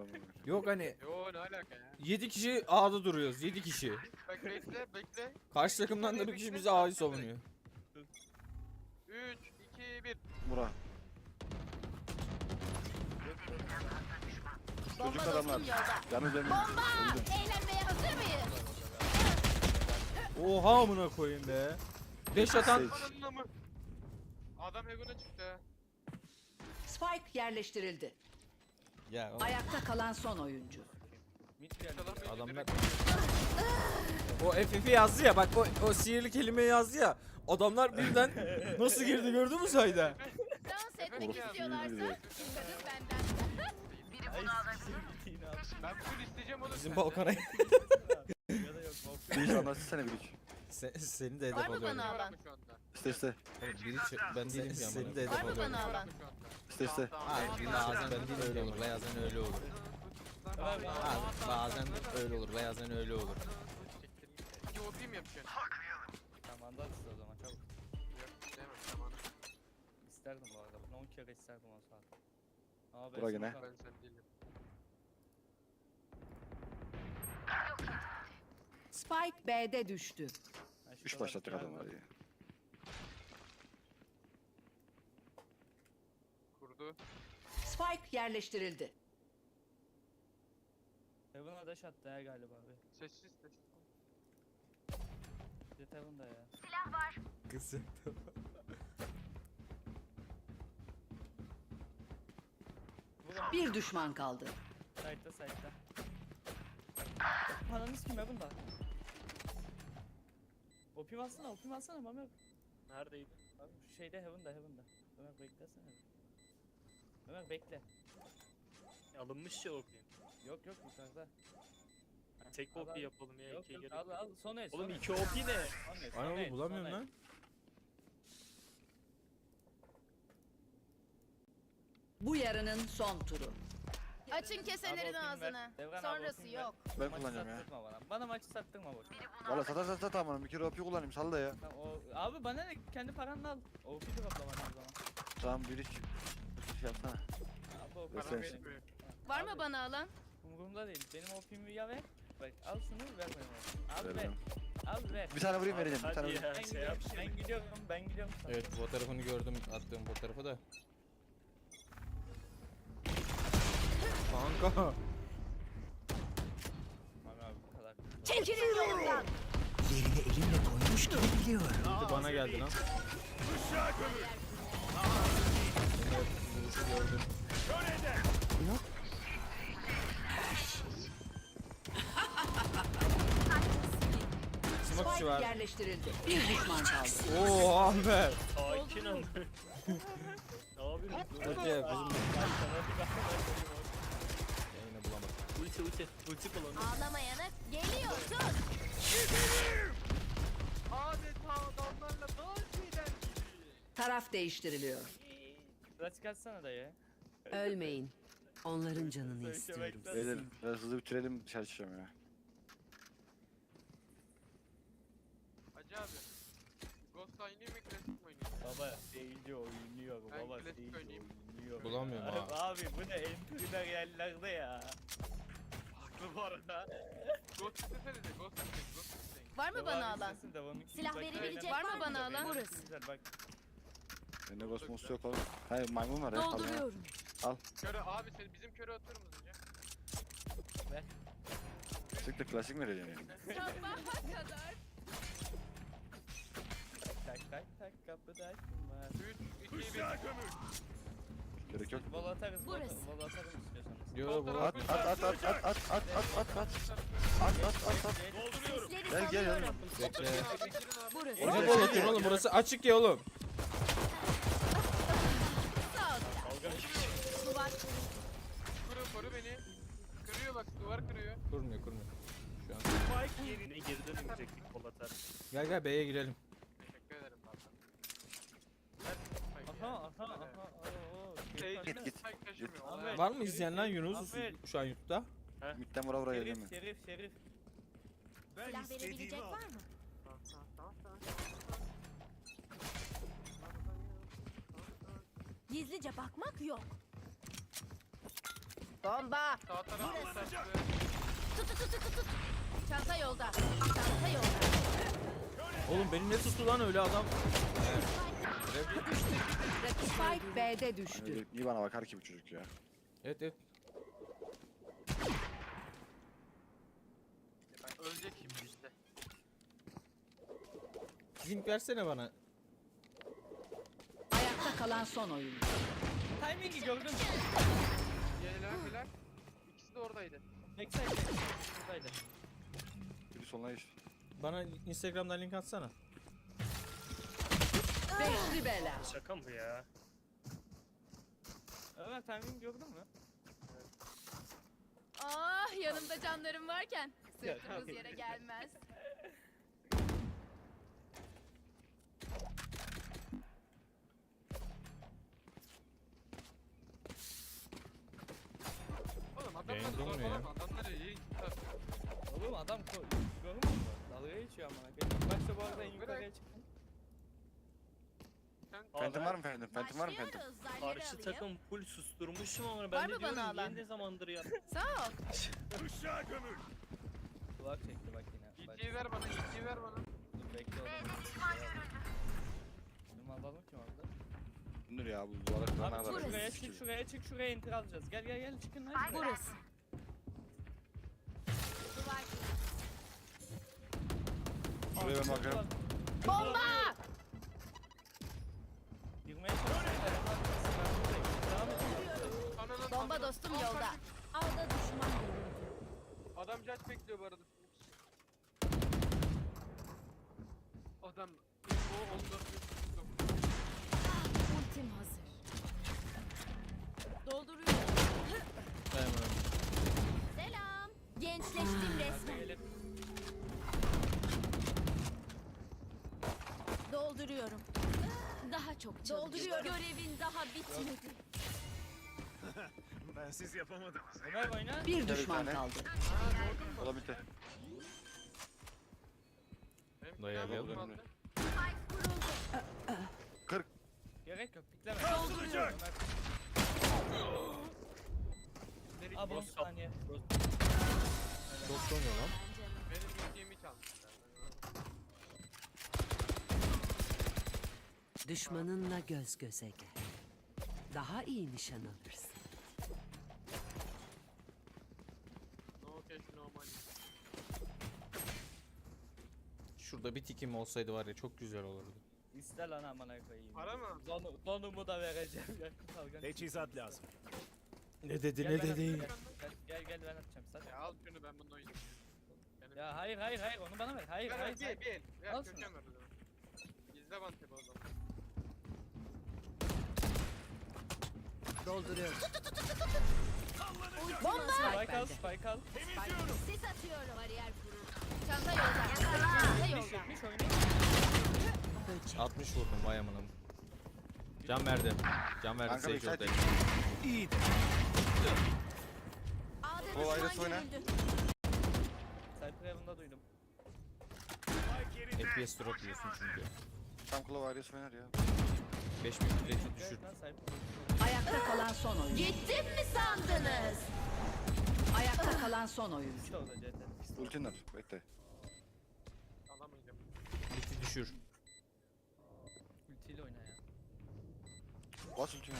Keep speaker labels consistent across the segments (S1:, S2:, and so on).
S1: Yok hani
S2: Yo ne alaka ya?
S1: 7 kişi A'da duruyoruz. 7 kişi.
S2: Bak bekle.
S1: Karşı takımdan da bir kişi bize A'yı savunuyor.
S2: 3, 2, 1.
S3: Bura. Çocuk adamlar. Yalnız benim.
S4: Bomba! Eğlenmeye hazır mıyız?
S1: Oha amına koyayım be. 5 atan
S2: Ananına mı? Adam Heaven'a çıktı.
S5: Spike yerleştirildi.
S1: ya
S5: Ayakta kalan son oyuncu.
S1: adamlar o FF'i yazdı ya bak o sihirli kelimeyi yazdı ya. Adamlar birden nasıl girdi gördün mü sayda?
S4: Dans etmek
S3: Orası
S4: istiyorlarsa
S3: sinirli.
S4: kadın benden.
S2: Ben full isteyeceğim onu.
S1: Bizim balkona
S3: Bir iş anlatsana bir iş.
S1: seni de hedef
S4: Var mı
S1: alıyorum.
S4: bana alan?
S2: Şu anda.
S3: İste.
S1: Ben değilim ki seni de hedef
S4: Var mı
S1: alıyorum.
S4: bana alan?
S3: İste.
S1: Hayır bazen öyle olur bazen öyle olur. Bazen öyle olur bazen öyle olur.
S2: İki OP mi yapacaksın?
S6: Tamam da o zaman çabuk.
S2: Yok istemem tamam.
S6: İsterdim bu arada. Bunu 10 kere isterdim o saat. Ama
S3: Bura gene.
S2: Ben sen değilim.
S5: Spike B'de düştü.
S3: 3 başlattık adamları ya.
S2: Kurdu.
S5: Spike yerleştirildi.
S6: Heaven'a dash attı ya galiba abi.
S2: Sessiz.
S6: Jet Heaven'da ya.
S1: Kızım.
S5: Bir düşman kaldı.
S6: Side'da. Ananız kim Heaven'da? OP'mi alsana Ömer.
S7: Neredeydi?
S6: Abi şu şeyde Heaven'da. Ömer beklesene. Ömer bekle.
S7: Alınmış ya okuyayım.
S6: Yok yukarıda.
S7: Tek
S6: Al,
S7: OP
S6: al.
S7: yapalım ya.
S6: Yok
S7: ikiye gerek
S6: al
S7: yok.
S6: son el.
S7: Oğlum 2 OP ne?
S1: Ay oğlum bulamıyorum lan.
S5: Bu yarının son turu.
S4: Açın keselerin ağzını. Sonrası yok.
S3: Ben kullanacağım ya.
S6: Bana maçı sattırma boşuna.
S3: Valla sat amanım. Bir kere OP kullanayım sal da ya.
S6: Tamam, abi bana ne kendi paranla al. OP'yi toplama o zaman.
S3: Tamam bir iş. Şey yapsana.
S6: Abi o
S3: Ver
S6: para
S3: sen.
S6: benim.
S4: Var mı bana alan?
S6: Umurumda değil. Benim OP'mi ya ver. Bak al şunu ver bana. Al ver.
S3: Vereceğim.
S6: Al ver.
S3: Bir tane vurayım vereceğim. Bir tane
S7: Hadi
S3: vurayım.
S7: ya şey yap şimdi.
S6: Ben gidiyorum sana.
S1: Evet fotoğrafını gördüm attığım fotoğrafı da. Kanka.
S6: Aman abi bu kadar.
S4: Çekilin yolumdan.
S1: Gitti bana geldi lan. Gördüm. Smoke
S5: Spike
S1: var.
S5: yerleştirildi. Bir düşman kaldı.
S1: Oo Ahmet.
S7: Sakin ol. Ne yapıyorsun?
S1: Hadi ya bizim yayını bulamadım.
S7: Ulti kullanıyor.
S4: Ağlamayana geliyorsun.
S2: Adeta adamlarla dans eden gibi.
S5: Taraf değiştiriliyor.
S6: Sıra çıkartsana da ya.
S5: Ölmeyin. Onların canını istiyorum.
S3: Beyler biraz hızlı bitirelim dışarı çıkacağım ya.
S2: Hacı abi. Ghost oynayayım mı klasik mi oynayayım?
S6: Baba iyice oynuyor.
S2: Ben
S6: Baba
S2: klasik
S6: iyice
S2: oynayayım.
S6: oynuyor.
S1: Bulamıyorum ha.
S6: Abi bu ne entry'ler yerlerde ya.
S7: Haklı bu arada.
S2: Ghost istesene de Ghost isteyin.
S4: Var mı bana alan? Silah verebilecek var mı bana alan?
S6: Burası. Bak
S3: Bende kosmos yok oğlum. Hayır maymun var ya.
S4: Dolduruyorum.
S2: Köre abi sen bizim köre atar mısın ya?
S3: Sıklık klasik mi vereceğim yani?
S4: Sabaha kadar.
S6: tak kapıda kim var?
S2: 3, 2, 1.
S3: Gerek yok.
S6: Vol atarız.
S4: Burası.
S6: Vol atarız istiyorsanız.
S1: Yo bu
S3: At.
S4: Sesleri
S3: Gel
S4: salıyorum.
S1: bekle.
S4: Burası.
S1: O ne bol atıyorsun oğlum burası açık ya oğlum.
S4: Sağ ol. Duvar.
S2: Koru beni. Kırıyor bak duvar kırıyor.
S1: Kurmuyor. Şu an.
S7: Spike yerine geri dönemeyecektik kol atar.
S1: Gel B'ye girelim.
S2: Teşekkür ederim valla.
S6: Aha.
S3: Git.
S2: Spike taşımıyor.
S6: Ahmet.
S2: Olay.
S1: Var mı izleyen lan Yunus
S6: Aferin.
S1: şu an YouTube'da?
S3: Midden vura geleceğim mi?
S6: Şerif.
S4: Silah verebilecek var mı? Gizlice bakmak yok. Bomba.
S2: Sağ tarafı sattı.
S4: Tut tut tut tut tut. Çanta yolda. Çanta yolda.
S1: Oğlum beni ne tuttu lan öyle adam?
S5: Spike B'de düştü.
S3: Öyle iyi bana bakar ki bu çocuk ya.
S1: Evet evet.
S2: Ben ölecek şimdi işte.
S1: Link versene bana.
S5: Ayakta kalan son oyuncu.
S6: Timing'i gördün mü?
S2: Helal. İkisi de oradaydı.
S6: Backside. Buradaydı.
S3: Biri soluna geçti.
S1: Bana Instagram'dan link atsana.
S5: Beşli bela.
S7: Şaka mı ya?
S6: Ömer timing gördün mü?
S4: Ah yanımda canlarım varken
S6: Ya,
S4: sırtımız
S6: tabii.
S4: yere gelmez.
S2: Oğlum
S1: Yayın
S2: adamlar
S1: durmuyor ya.
S2: zorbalama. Adamlar iyi.
S6: Oğlum adam görmüyor musun? Dalga geçiyor amına koyayım. Başta bu arada en yukarıya çıktım.
S3: Phantom var mı Phantom? Phantom var mı Phantom?
S4: Başlıyoruz. Zarları
S7: Karşı
S4: alayım.
S7: takım full susturmuşum ama
S4: Var
S7: ben
S4: mı
S7: de diyorum
S4: bana alan?
S7: niye ne zamandır ya.
S4: Sağ ol.
S6: Kulak çekti bak yine. Bak,
S2: İkiyi ver bana. İkiyi ver bana.
S6: dur bekle oğlum. Bizim alalım kim aldı?
S3: Dur ya bu duvara kıran
S6: Abi
S3: adam.
S6: şuraya çık şuraya enter alacağız. Gel çıkın lan. şuraya.
S4: Burası. Duvar.
S3: Şuraya ben bakıyorum.
S4: Bomba!
S6: Girmeye çalışıyorum. Devam et.
S2: Ananın
S4: Bomba
S2: amına-
S4: dostum
S2: Al
S4: yolda.
S2: kardeşim.
S4: Alda düşman görüldü.
S2: Adam judge bekliyor bu arada. Adam o 14
S4: Ultim hazır. Dolduruyorum.
S1: Dayanamıyorum.
S4: Selam. Gençleştim resmen.
S6: Gelip
S4: Dolduruyorum. Daha çok dolduruyorum. Görevin daha bitmedi.
S6: Ömer oyna.
S5: Bir
S3: Bir
S5: düşman
S3: tane.
S5: kaldı.
S3: Olabilir.
S1: Dayanamıyorum.
S3: Dayanamıyorum.
S2: 40.
S6: Gerek yok. Pikleme.
S4: Dolduruyorum.
S6: Ömer. Abi 10 saniye.
S1: Çok sonuyor lan.
S2: Benim yediğimi çalmışlar.
S5: Düşmanınla göz göze gel. Daha iyi nişan alırsın.
S2: No cash no money.
S1: Şurada bir tikim olsaydı var ya çok güzel olurdu.
S6: İste lan amına koyayım.
S2: Para mı?
S6: Donumu da vereceğim. Yakın kalkan.
S8: Teçhizat lazım.
S1: Ne dedi
S6: Gel
S1: ne
S6: ben
S1: dedi.
S6: atacağım, gel ben atacağım sen.
S2: Ya al şunu ben bunu oynayayım. Benim-
S6: Ya hayır onu bana ver. Hayır.
S2: Ver bir el. Ver
S6: Al
S2: köken ver o zaman. İzle bantı o zaman.
S5: Dolduruyorum.
S4: Bomba!
S6: Spike al.
S4: Sis atıyorum. Bariyer kuruldu. Çanta yolda. Çanta yolda.
S6: 70 oynayın.
S5: Böcek.
S1: 60 vurdum vay amanım. Can verdi. Can verdi
S3: Kanka
S1: Sage
S3: backside
S1: orada.
S8: İyi de.
S4: A'da
S3: O ayrısı
S4: düşman
S3: oyna.
S4: görüldü.
S6: Cypher Heaven'da duydum.
S1: FPS drop diyorsun çünkü.
S3: Tam kulağı ailesi oynar ya.
S1: 5000 rating düşür.
S6: Evet lan Cypher.
S5: Ayakta kalan son oyuncu.
S4: Gittim mi sandınız?
S5: Ayakta kalan son oyuncu.
S6: İşte orada CT.
S3: Ultin var. Bekle.
S2: Alamayacağım.
S1: Biti düşür.
S6: Ultiyle oyna ya.
S3: Bas ultini.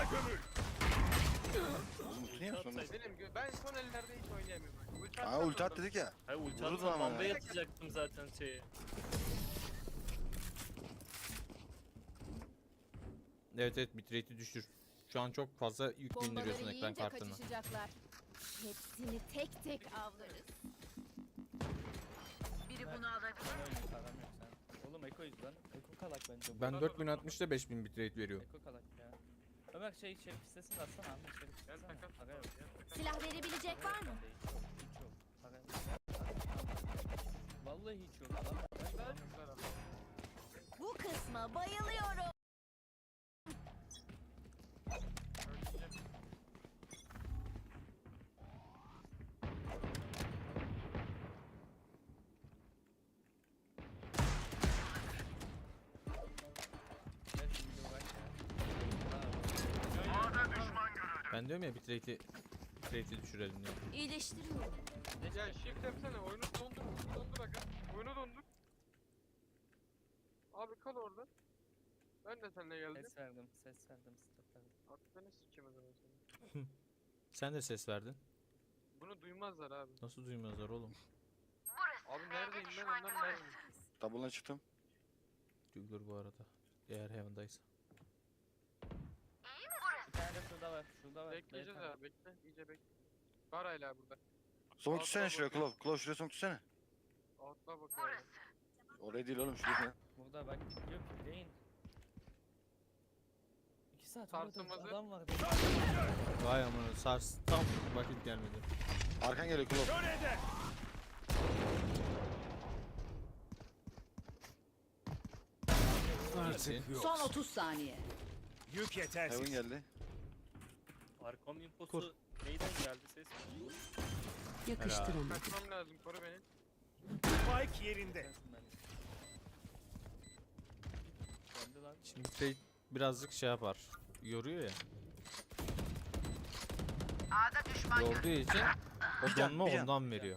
S3: Oğlum ulti niye yapıyorsun?
S2: Ben son ellerde hiç oynayamıyorum.
S3: Aa ulti at dedik ya.
S7: Hayır ulti
S3: Vurdu
S7: atsam
S3: ama
S7: bombaya
S3: ya.
S7: atacaktım zaten şeyi.
S1: Evet bitrate'i düşür. Şu an çok fazla yük
S4: Bombaları
S1: bindiriyorsun ekran
S4: yiyince
S1: kartına.
S4: kaçışacaklar. Hepsini tek tek avlarız. Biri bunu alabilir.
S6: Oyun param yok sen. Oğlum Eko yüzden. Eko kalak bence.
S1: Ben 4060'da 5000 bitrate veriyor.
S6: Eko kalak ya. Ömer şerif sitesini de atsana Ahmet şerif
S2: Gel
S6: sitesini.
S2: takas.
S6: Para yok.
S4: Silah verebilecek var mı?
S6: Hiç yok. Para yok. Vallahi hiç yok. Adam
S4: Bu kısma bayılıyorum.
S6: Gel şimdi uğraş ya.
S1: Ben diyorum ya bitrate'i bitrate'i düşürelim diye.
S4: İyileştiriyorum.
S2: Ya shift yapsana oyunu dondur aga. Oyunu dondur. Abi kal orada. Ben de seninle geldim.
S6: Ses verdim, stop verdim.
S2: Aklını sikeyim o zaman seni.
S1: Sen de ses verdin.
S2: Bunu duymazlar abi.
S1: Nasıl duymazlar oğlum?
S2: Abi neredeyim ben ondan neredeyim?
S3: Double'ına çıktım.
S1: Duyulur bu arada. Eğer Heaven'daysa.
S6: Bir tane de şurada var, şurada var.
S2: Bekleyeceğiz abi bekle. İyice bekle. Var hala burada.
S3: Smoke
S2: Altına
S3: tutsana şuraya
S2: bakıyorum.
S3: Klov. Klov şuraya smoke tutsana.
S2: Outlaw bakıyor abi.
S3: Oraya değil oğlum şuraya.
S6: Burada bak gidiyor bekleyin. 2 saat
S2: Sarsılmazı.
S6: orada adam var.
S1: Vay amına sars tam vakit gelmedi.
S3: Arkan geliyor Klov.
S8: Kör eder.
S1: Artık
S5: Son 30 saniye.
S8: Yük
S3: Heaven
S8: yetersiz.
S3: geldi.
S7: Arkom infosu
S1: Kur.
S7: neyden geldi ses?
S5: Yakıştıramadım.
S2: Kaçmam lazım koru beni.
S8: Spike yerinde.
S6: Gelsin ben. Geldi lan.
S1: şimdi bitrate birazcık şey yapar. Yoruyor ya. Yorduğu için o
S3: Bir can,
S1: donma
S3: bir can.
S1: ondan veriyor.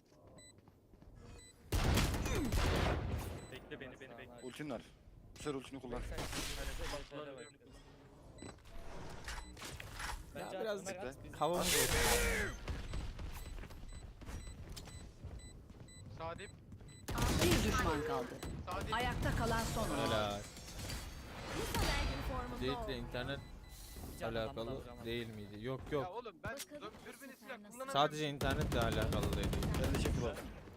S7: Bekle beni bekle.
S3: Ultin var. Bu sefer ultini kullan.
S6: Bence
S1: biraz
S6: Ömer at, biz-
S1: Havamız olsun.
S2: Sadip.
S5: Bir düşman kaldı.
S2: Sadip.
S5: Ayakta kalan son oyuncu.
S1: Hala
S4: Lisa vergin formunda
S1: Date'le
S4: ol.
S1: internet
S6: Can
S1: alakalı
S6: alacağım.
S1: değil miydi? Yok
S2: Ya
S1: yok.
S2: oğlum ben
S4: Bakalım bu
S2: dürbünü
S4: sefer
S2: silah
S4: nasıl?
S2: kullanamıyorum.
S1: Sadece internetle alakalı değil.
S3: Ben de çekti bak.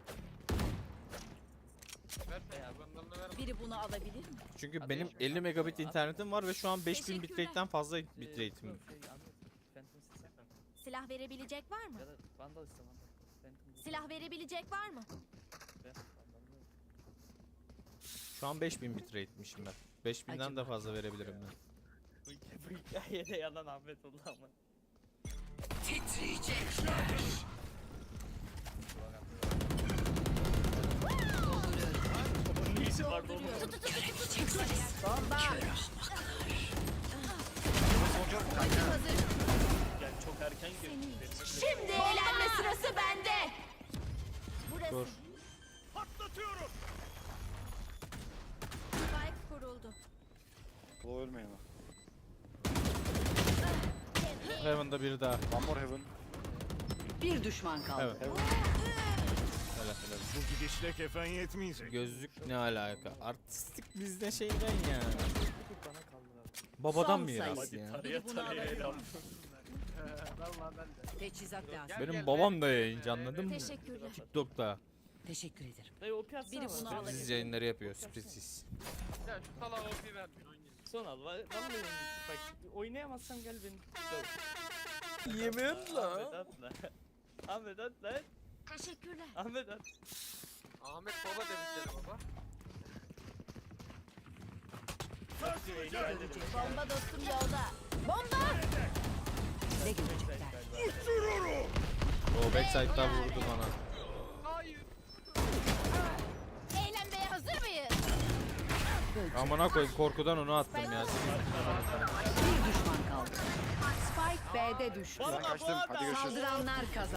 S2: Versene bandalını ver.
S5: Biri bunu alabilir mi?
S1: Çünkü
S6: Hadi
S1: benim
S6: şimdi
S1: 50 megabit
S6: at.
S1: internetim var ve şu an 5000
S4: Teşekkürler.
S1: bitrate'den fazla
S6: Yok,
S1: bitrate'im.
S6: Ahmet, Phantom sesi.
S4: Silah verebilecek var mı?
S6: Ya da Vandal iste Vandal. Phantom bu.
S4: Silah verebilecek var mı?
S6: Ver, Vandal'ı ver.
S1: Şu an 5000 bitrate'mişim ben. 5000'den de fazla verebilirim ben.
S6: Bu hikayede yalan Ahmet oldu ama.
S7: Bunun iyisi var bu.
S4: Hazır.
S7: Yani çok erken girdi.
S4: Şimdi eğlenme sırası bende. Burası.
S1: Dur.
S8: Patlatıyorum.
S4: Spike kuruldu.
S3: Klov ölmeyin ama.
S1: Heaven'da biri daha.
S3: One more Heaven.
S5: Bir düşman kaldı.
S1: Evet.
S3: Heaven.
S1: Helal helal.
S8: Bu gidişle kefen yetmeyecek.
S1: Gözlük ne alaka? Artistik bizde şeyden ya.
S6: Bir bana kaldılar.
S1: Babadan
S5: Son
S1: miras
S5: sayısı.
S1: ya.
S7: Taraya
S5: bunu
S7: taraya
S5: alabilir
S7: helal.
S2: Vallahi ben de.
S5: Teçhizat lazım.
S2: Gel,
S1: Benim
S2: gel,
S1: babam
S2: gel.
S1: da yayıncı anladın mı?
S4: Teşekkürler.
S1: TikTok'ta
S5: Teşekkür ederim.
S6: Dayı OP atsana
S5: Biri
S6: bana.
S5: bunu
S6: Ben-
S5: alabilir.
S1: siz yayınları yapıyor sürpriz.
S2: Ya şu salağa OP vermiyor oynayın.
S6: Son al. Vallahi oynayayım. Bak oynayamazsam gel beni. Döv.
S1: Yemin
S6: Ahmet at lan. Ahmet at lan.
S4: Teşekkürler.
S6: Ahmet at.
S2: Ahmet baba demişler baba.
S4: Bomba dostum yolda. Bomba!
S5: Ne görecekler?
S1: O backside'dan vurdu bana.
S2: Hayır.
S4: Eğlenmeye hazır mıyız?
S1: Amına koyayım korkudan onu attım ya.
S5: Bir düşman kaldı. Spike B'de düştü.
S3: Ben kaçtım. Hadi görüşürüz.
S5: Saldıranlar kazandı.